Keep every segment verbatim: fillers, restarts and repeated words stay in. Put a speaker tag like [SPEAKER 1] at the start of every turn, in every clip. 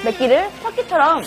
[SPEAKER 1] 맵기를 터키처럼.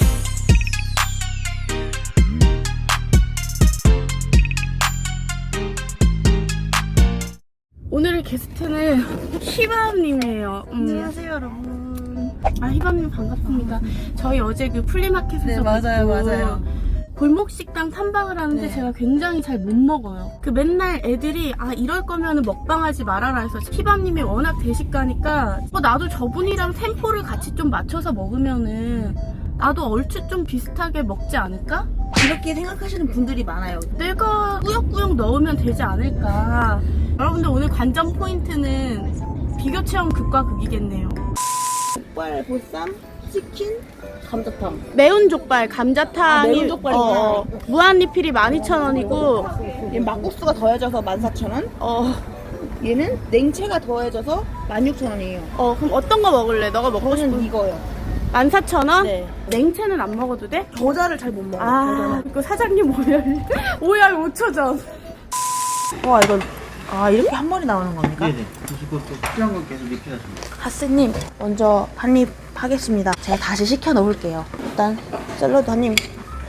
[SPEAKER 1] 오늘의 게스트는 희밤님이에요. 음.
[SPEAKER 2] 안녕하세요, 여러분.
[SPEAKER 1] 아, 희밤님 반갑습니다. 저희 어제 그 플리마켓에서
[SPEAKER 2] 네, 맞아요,
[SPEAKER 1] 뵙고
[SPEAKER 2] 맞아요.
[SPEAKER 1] 골목식당 탐방을 하는데
[SPEAKER 2] 네.
[SPEAKER 1] 제가 굉장히 잘 못 먹어요. 그 맨날 애들이 아 이럴 거면 먹방하지 말아라 해서 희밤님이 워낙 대식가니까 어, 나도 저분이랑 템포를 같이 좀 맞춰서 먹으면은 나도 얼추 좀 비슷하게 먹지 않을까?
[SPEAKER 2] 이렇게 생각하시는 분들이 많아요.
[SPEAKER 1] 내가 꾸역꾸역 넣으면 되지 않을까. 여러분들 오늘 관전 포인트는 비교 체험 극과 극이겠네요.
[SPEAKER 2] 족발, 보쌈, 치킨, 감자탕.
[SPEAKER 1] 매운 족발, 감자탕이
[SPEAKER 2] 아, 매운 족발이구나.
[SPEAKER 1] 어, 무한 리필이 만 이천 원이고
[SPEAKER 2] 얘는 막국수가 더해져서 만 사천 원.
[SPEAKER 1] 어,
[SPEAKER 2] 얘는 냉채가 더해져서 만 육천 원이에요.
[SPEAKER 1] 어 그럼 어떤 거 먹을래? 너가 먹고
[SPEAKER 2] 저는
[SPEAKER 1] 싶은
[SPEAKER 2] 이거요.
[SPEAKER 1] 만 사천 원?
[SPEAKER 2] 네.
[SPEAKER 1] 냉채는 안 먹어도 돼?
[SPEAKER 2] 겨자를 잘 못 먹어요.
[SPEAKER 1] 아, 그 사장님 오열 오열 오 초 전.
[SPEAKER 2] 겨자는. 와, 이거 아 이렇게 한 마리 나오는 겁니까?
[SPEAKER 3] 네네. 드시고 또 필요한 건 계속 리필하십니다.
[SPEAKER 2] 하스님 먼저 한 입 하겠습니다. 제가 다시 시켜 놓을게요. 일단 샐러드 한 입.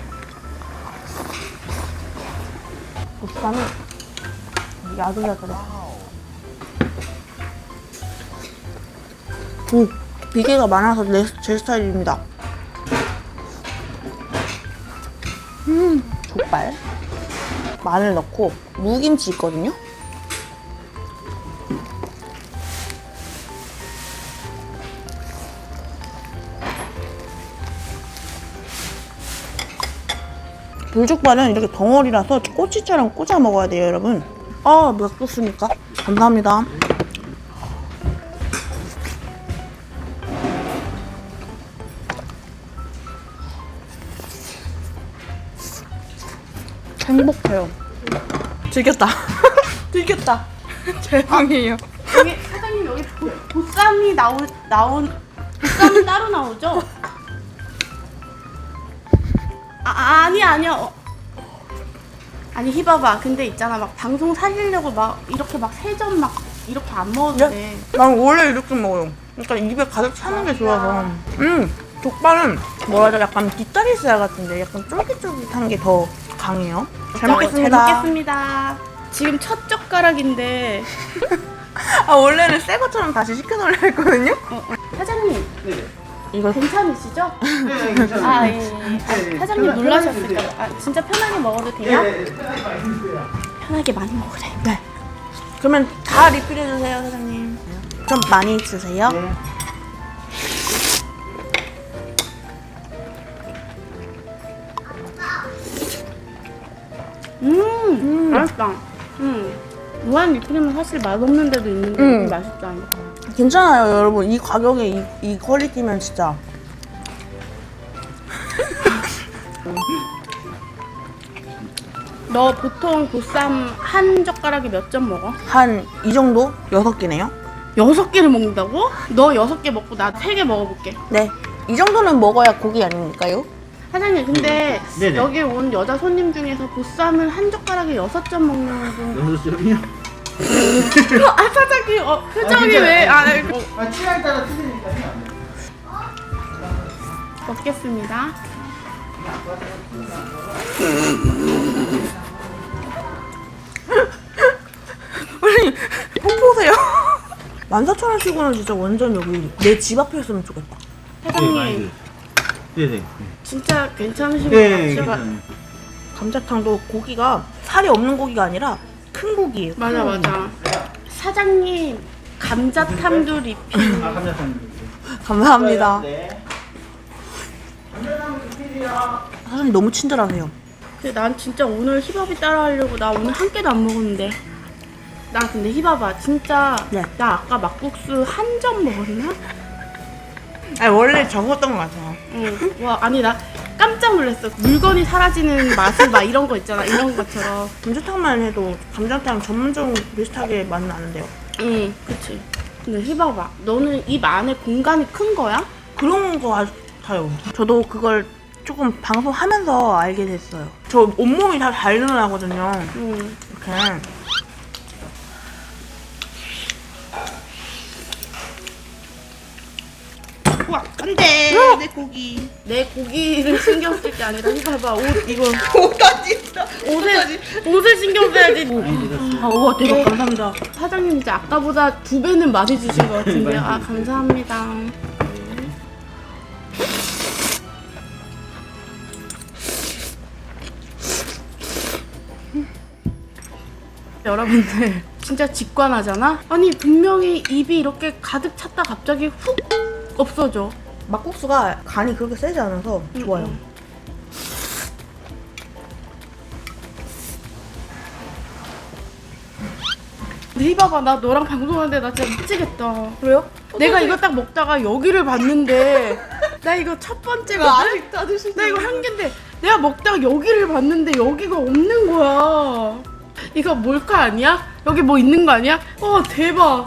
[SPEAKER 2] 보쌈은 야들야들해. 음, 비계가 많아서 내, 제 스타일입니다. 음, 족발. 마늘 넣고 무김치 있거든요. 불족발은 이렇게 덩어리라서 꼬치처럼 꽂아 먹어야 돼요, 여러분. 아, 막국수니까. 감사합니다. 행복해요. 즐겼다. 즐겼다. 죄송해요.
[SPEAKER 1] 여기 사장님 여기 보, 보쌈이 나오 나온 보쌈은 따로 나오죠? 아, 아 아니 아니야. 어. 아니 희봐봐. 근데 있잖아 막 방송 살리려고 막 이렇게 막 세 점 막 이렇게 안 먹어도 돼.
[SPEAKER 2] 난 원래 이렇게 먹어요. 그러니까 입에 가득 차는 게 좋아서. 음, 족발은 뭐라 하죠? 약간 뒷다리살 같은데 약간 쫄깃쫄깃한 게 더 강해요. 잘 먹겠습니다.
[SPEAKER 1] 잘 먹겠습니다. 지금 첫 젓가락인데
[SPEAKER 2] 아, 원래는 새 것처럼 다시 시켜놓으려 했거든요?
[SPEAKER 1] 어, 어. 사장님
[SPEAKER 3] 네네.
[SPEAKER 2] 이거
[SPEAKER 1] 괜찮으시죠?
[SPEAKER 3] 네, 괜찮아요.
[SPEAKER 1] 아 예. 예. 아, 사장님 놀라셨을까 봐. 아, 진짜 편하게 먹어도 돼요?
[SPEAKER 3] 네, 편하게 많이 드세요.
[SPEAKER 1] 편하게 많이 먹으래.
[SPEAKER 2] 네. 그러면 다 리필해주세요, 사장님. 좀 많이 주세요.
[SPEAKER 3] 네.
[SPEAKER 1] 음,
[SPEAKER 2] 음.
[SPEAKER 1] 맛있다. 음. 무한 리필이면 사실 맛없는 데도 있는데
[SPEAKER 2] 음.
[SPEAKER 1] 맛있다.
[SPEAKER 2] 괜찮아요, 여러분. 이 가격에 이, 이 퀄리티면 진짜.
[SPEAKER 1] 너 보통 보쌈 한 젓가락에 몇 점 먹어?
[SPEAKER 2] 한 이 정도? 여섯 개네요?
[SPEAKER 1] 여섯 개를 먹는다고? 너 여섯 개 먹고 나 세 개 먹어볼게.
[SPEAKER 2] 네. 이 정도는 먹어야 고기 아닙니까요?
[SPEAKER 1] 사장님 근데
[SPEAKER 3] 네네.
[SPEAKER 1] 여기 온 여자 손님 중에서 보쌈을 한 젓가락에 여섯 점 먹는 분.
[SPEAKER 3] 여섯 점이요?
[SPEAKER 1] 아 사장님 어, 표정이
[SPEAKER 3] 괜찮아요.
[SPEAKER 1] 왜? 아, 네. 어,
[SPEAKER 3] 아, 취향에 따라 틀리니까요.
[SPEAKER 1] 먹겠습니다.
[SPEAKER 2] 아니, 폰 보세요. 만 사천 원씩은 진짜 완전 여기 내 집 앞이었으면 좋겠다.
[SPEAKER 3] 네, 많이
[SPEAKER 1] 사장님
[SPEAKER 3] 드세요. 네네.
[SPEAKER 1] 진짜 괜찮으신 것
[SPEAKER 3] 네,
[SPEAKER 1] 같아요.
[SPEAKER 3] 괜찮아요.
[SPEAKER 2] 감자탕도 고기가 살이 없는 고기가 아니라 큰 고기예요.
[SPEAKER 1] 맞아
[SPEAKER 2] 큰 고기.
[SPEAKER 1] 맞아. 사장님 감자탕도 리필.
[SPEAKER 3] 아, 감자탕.
[SPEAKER 2] 감사합니다.
[SPEAKER 3] 네.
[SPEAKER 2] 사장님 너무 친절하세요.
[SPEAKER 1] 근데 난 진짜 오늘 힙합이 따라하려고 나 오늘 한 끼도 안 먹었는데. 나 근데 힙합아 진짜
[SPEAKER 2] 네.
[SPEAKER 1] 나 아까 막국수 한 점 먹었나?
[SPEAKER 2] 아니, 원래 적었던 것 같아요.
[SPEAKER 1] 응. 와 아니 나 깜짝 놀랐어. 물건이 사라지는 맛을 막 이런 거 있잖아. 이런 것처럼.
[SPEAKER 2] 감자탕만 해도 감자탕 전문점 비슷하게 맛 나는데요.
[SPEAKER 1] 응, 그치. 근데 힙합아 너는 입 안에 공간이 큰 거야?
[SPEAKER 2] 그런 거 같아요. 저도 그걸 조금 방송하면서 알게 됐어요. 저 온몸이 다 잘 늘어나거든요.
[SPEAKER 1] 응.
[SPEAKER 2] 이렇게. 갖고 와. 안돼 내 고기.
[SPEAKER 1] 내 고기를 신경 쓸 게 아니라 이거 봐봐 옷 이거
[SPEAKER 2] 옷까지 있어.
[SPEAKER 1] 옷에 옷을 신경 써야지.
[SPEAKER 3] 많이 드렸어요.
[SPEAKER 1] 아, 우와 대박 감사합니다. 사장님 이제 아까보다 두 배는 많이 주신 것 같은데요. 아 감사합니다. 여러분들 진짜 직관하잖아? 아니 분명히 입이 이렇게 가득 찼다 갑자기 훅 없어져.
[SPEAKER 2] 막국수가 간이 그렇게 세지 않아서 좋아요.
[SPEAKER 1] 음. 근데 희봐봐 나 너랑 방송하는데 나 진짜 미치겠다.
[SPEAKER 2] 그래요?
[SPEAKER 1] 내가 이거 딱 먹다가 여기를 봤는데 나 이거 첫 번째거든?
[SPEAKER 2] 아직도 안 드시죠?
[SPEAKER 1] 나 이거 한 개인데 내가 먹다가 여기를 봤는데 여기가 없는 거야. 이거 몰카 아니야? 여기 뭐 있는 거 아니야? 와 대박.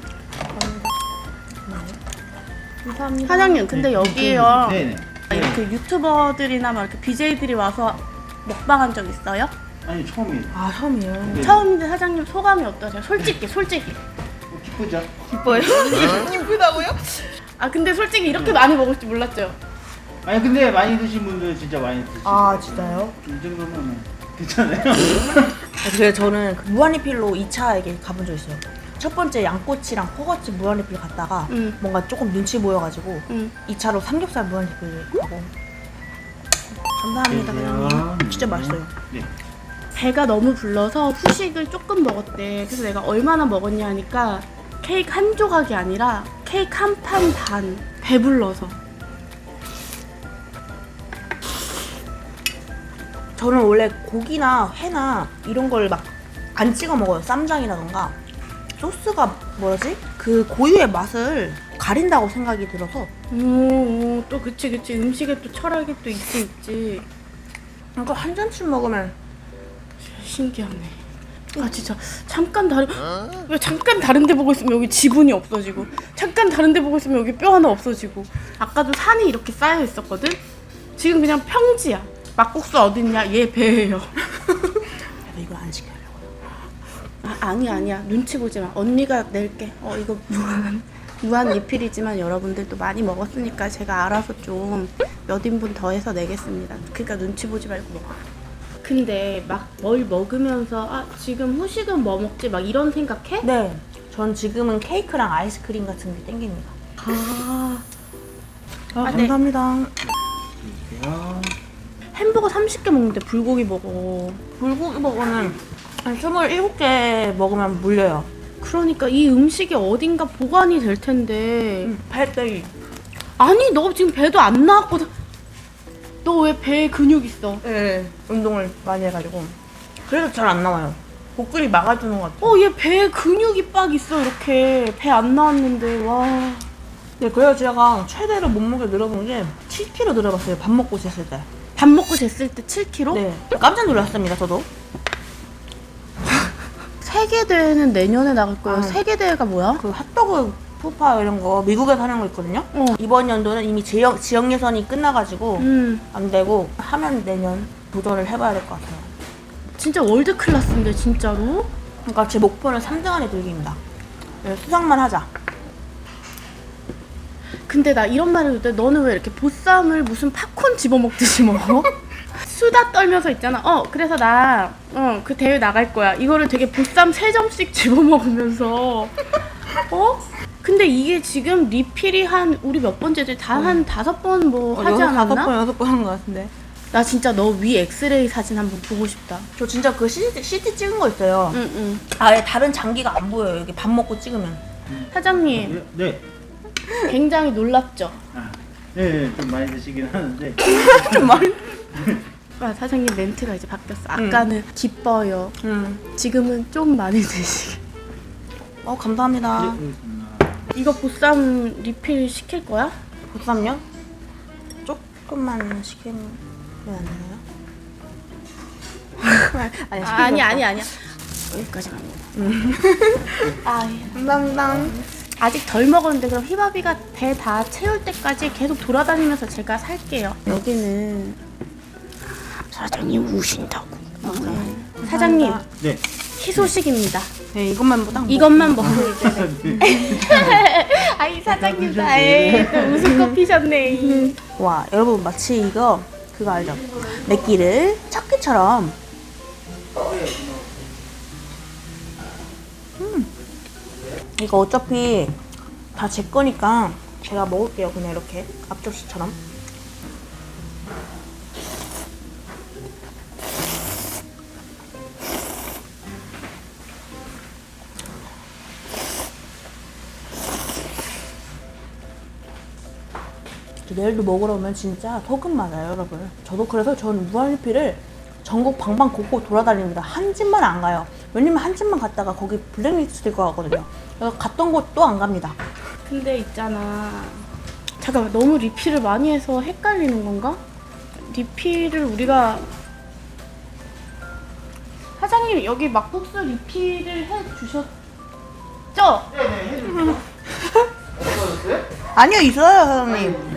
[SPEAKER 2] 감사합니다.
[SPEAKER 1] 사장님 근데 여기요
[SPEAKER 3] 네네.
[SPEAKER 1] 이렇게 유튜버들이나 막 이렇게 비제이들이 와서 먹방한 적 있어요?
[SPEAKER 3] 아니 처음이에요.
[SPEAKER 2] 아 처음이에요.
[SPEAKER 3] 네.
[SPEAKER 1] 처음인데 사장님 소감이 어떠세요? 솔직히 솔직히.
[SPEAKER 3] 어, 기쁘죠?
[SPEAKER 2] 기뻐요? 기쁘다고요?
[SPEAKER 1] 아 근데 솔직히 이렇게 많이 먹을 줄 몰랐죠?
[SPEAKER 3] 아니 근데 많이 드신 분들 진짜 많이 드시고.
[SPEAKER 2] 아 진짜요?
[SPEAKER 3] 이 정도면 괜찮아요.
[SPEAKER 2] 그래서 저는 그 무한리필로 이 차에게 가본 적 있어요. 첫 번째 양꼬치랑 포거치 무한리필 갔다가
[SPEAKER 1] 응.
[SPEAKER 2] 뭔가 조금 눈치 보여가지고
[SPEAKER 1] 응.
[SPEAKER 2] 이 차로 삼겹살 무한리필 가고 감사합니다. 그냥 진짜 맛있어요.
[SPEAKER 3] 네.
[SPEAKER 1] 배가 너무 불러서 후식을 조금 먹었대. 그래서 내가 얼마나 먹었냐 하니까 케이크 한 조각이 아니라 케이크 한 판 반. 배불러서.
[SPEAKER 2] 저는 원래 고기나 회나 이런 걸 막 안 찍어 먹어요. 쌈장이라던가 소스가 뭐지? 그 고유의 맛을 가린다고 생각이 들어서
[SPEAKER 1] 오, 오, 또 그치 그치 음식에 또 철학이 또 있지 있지.
[SPEAKER 2] 그러니까 한 잔씩 먹으면
[SPEAKER 1] 신기하네. 아 진짜 잠깐 다른 왜 잠깐 다른 데 보고 있으면 여기 지분이 없어지고 잠깐 다른 데 보고 있으면 여기 뼈 하나 없어지고. 아까도 산이 이렇게 쌓여 있었거든. 지금 그냥 평지야. 막국수 어딨냐? 얘 배예요.
[SPEAKER 2] 이걸 안 시켜요.
[SPEAKER 1] 아, 아니야 아니야 눈치 보지 마. 언니가 낼게. 어 이거 무한 무한 리필이지만 여러분들도 많이 먹었으니까 제가 알아서 좀 몇 인분 더해서 내겠습니다. 그러니까 눈치 보지 말고 먹어. 근데 막 뭘 먹으면서 아 지금 후식은 뭐 먹지 막 이런 생각해?
[SPEAKER 2] 네, 전 지금은 케이크랑 아이스크림 같은 게 땡깁니다.
[SPEAKER 1] 아,
[SPEAKER 2] 아,
[SPEAKER 1] 아, 네.
[SPEAKER 2] 감사합니다.
[SPEAKER 3] 드릴게요.
[SPEAKER 1] 햄버거 삼십 개 먹는데 불고기 먹어.
[SPEAKER 2] 불고기 버거는 한 스물일곱 개 먹으면 물려요.
[SPEAKER 1] 그러니까 이 음식이 어딘가 보관이 될 텐데.
[SPEAKER 2] 팔대기.
[SPEAKER 1] 아니 너 지금 배도 안 나왔거든. 너 왜 배에 근육 있어?
[SPEAKER 2] 네, 운동을 많이 해가지고. 그래서 잘 안 나와요. 복근이 막아주는 것 같아요.
[SPEAKER 1] 어 얘 배에 근육이 빡 있어 이렇게. 배 안 나왔는데 와.
[SPEAKER 2] 네, 그래서 제가 최대로 몸무게 늘어본 게 칠 킬로그램 늘어봤어요. 밥 먹고 쟀을 때.
[SPEAKER 1] 밥 먹고 쟀을 때 칠 킬로그램?
[SPEAKER 2] 네, 깜짝 놀랐습니다, 저도.
[SPEAKER 1] 세계대회는 내년에 나갈 거예요.
[SPEAKER 2] 아.
[SPEAKER 1] 세계대회가 뭐야?
[SPEAKER 2] 그 핫도그 푸파 이런 거 미국에서 하는 거 있거든요.
[SPEAKER 1] 어.
[SPEAKER 2] 이번 연도는 이미 지역, 지역 예선이 끝나가지고
[SPEAKER 1] 음
[SPEAKER 2] 안 되고 하면 내년 도전을 해봐야 될 것 같아요.
[SPEAKER 1] 진짜 월드 클래스인데 진짜로?
[SPEAKER 2] 그러니까 제 목표는 삼 등 안에 들기입니다. 네, 수상만 하자.
[SPEAKER 1] 근데 나 이런 말을 해도 돼. 너는 왜 이렇게 보쌈을 무슨 팝콘 집어먹듯이 먹어? 수다 떨면서 있잖아. 어 그래서 나 어 그 대회 나갈 거야. 이거를 되게 보쌈 세 점씩 집어먹으면서 어? 근데 이게 지금 리필이 한 우리 몇 번째지? 다 한 다섯 번 뭐 하지
[SPEAKER 2] 여섯, 다섯
[SPEAKER 1] 않았나?
[SPEAKER 2] 번, 여섯 번 한 것 같은데.
[SPEAKER 1] 나 진짜 너 위 엑스레이 사진 한번 보고 싶다.
[SPEAKER 2] 저 진짜 그 씨티, 씨티 찍은 거 있어요.
[SPEAKER 1] 응응.
[SPEAKER 2] 아예 다른 장기가 안 보여요. 여기 밥 먹고 찍으면.
[SPEAKER 1] 사장님
[SPEAKER 3] 네.
[SPEAKER 1] 굉장히 놀랍죠?
[SPEAKER 3] 아, 네, 네, 좀 많이 드시긴 하는데.
[SPEAKER 2] 많이.
[SPEAKER 1] 아, 사장님 멘트가 이제 바뀌었어. 아까는 기뻐요.
[SPEAKER 2] 음.
[SPEAKER 1] 지금은 좀 많이 드시게.
[SPEAKER 2] 어, 감사합니다.
[SPEAKER 3] 네, 알겠습니다.
[SPEAKER 1] 이거 보쌈 리필 시킬 거야?
[SPEAKER 2] 보쌈요? 조금만 시키면 안 되나요? 아니,
[SPEAKER 1] 아, 아니 아니 아니야. 여기까지만 먹어. 아, 예.
[SPEAKER 2] 감사합니다.
[SPEAKER 1] 아직 덜 먹었는데 그럼 휘바비가 배 다 채울 때까지 계속 돌아다니면서 제가 살게요. 여기는 사장님 우신다고. 어, 네. 사장님
[SPEAKER 3] 네.
[SPEAKER 1] 희소식입니다.
[SPEAKER 2] 네, 이것만 딱
[SPEAKER 1] 이것만 먹고 이제.
[SPEAKER 3] 네.
[SPEAKER 1] 아이 사장님 나에 웃음 거 피셨네.
[SPEAKER 2] 와 여러분 마치 이거 그거 알죠? 맵기를 척기처럼 음. 이거 어차피 다 제 거니까 제가 먹을게요. 그냥 이렇게 앞접시처럼. 내일도 먹으러 오면 진짜 소금 맞아요, 여러분. 저도 그래서 저는 무한리필을 전국 방방곡곡 돌아다닙니다. 한 집만 안 가요. 왜냐면 한 집만 갔다가 거기 블랙리스트 될 것 같거든요. 그래서 갔던 곳도 안 갑니다.
[SPEAKER 1] 근데 있잖아. 잠깐만, 너무 리필을 많이 해서 헷갈리는 건가? 리필을 우리가 사장님 여기 막국수 리필을 해 주셨죠?
[SPEAKER 3] 네네 해줄게요. 없어졌어요?
[SPEAKER 2] 아니요, 있어요, 사장님.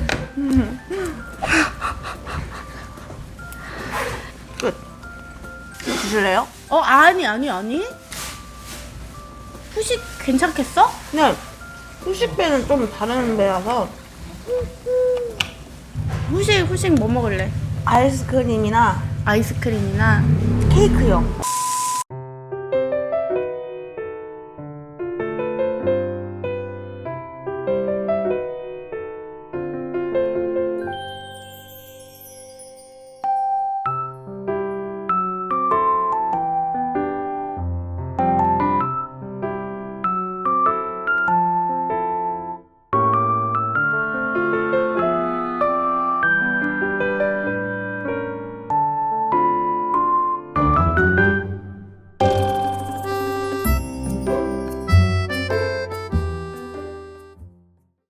[SPEAKER 2] 끝. 드실래요?
[SPEAKER 1] 어 아니 아니 아니. 후식 괜찮겠어?
[SPEAKER 2] 네. 후식배는 좀 다른 배라서
[SPEAKER 1] 후식 후식 뭐 먹을래?
[SPEAKER 2] 아이스크림이나
[SPEAKER 1] 아이스크림이나
[SPEAKER 2] 케이크요.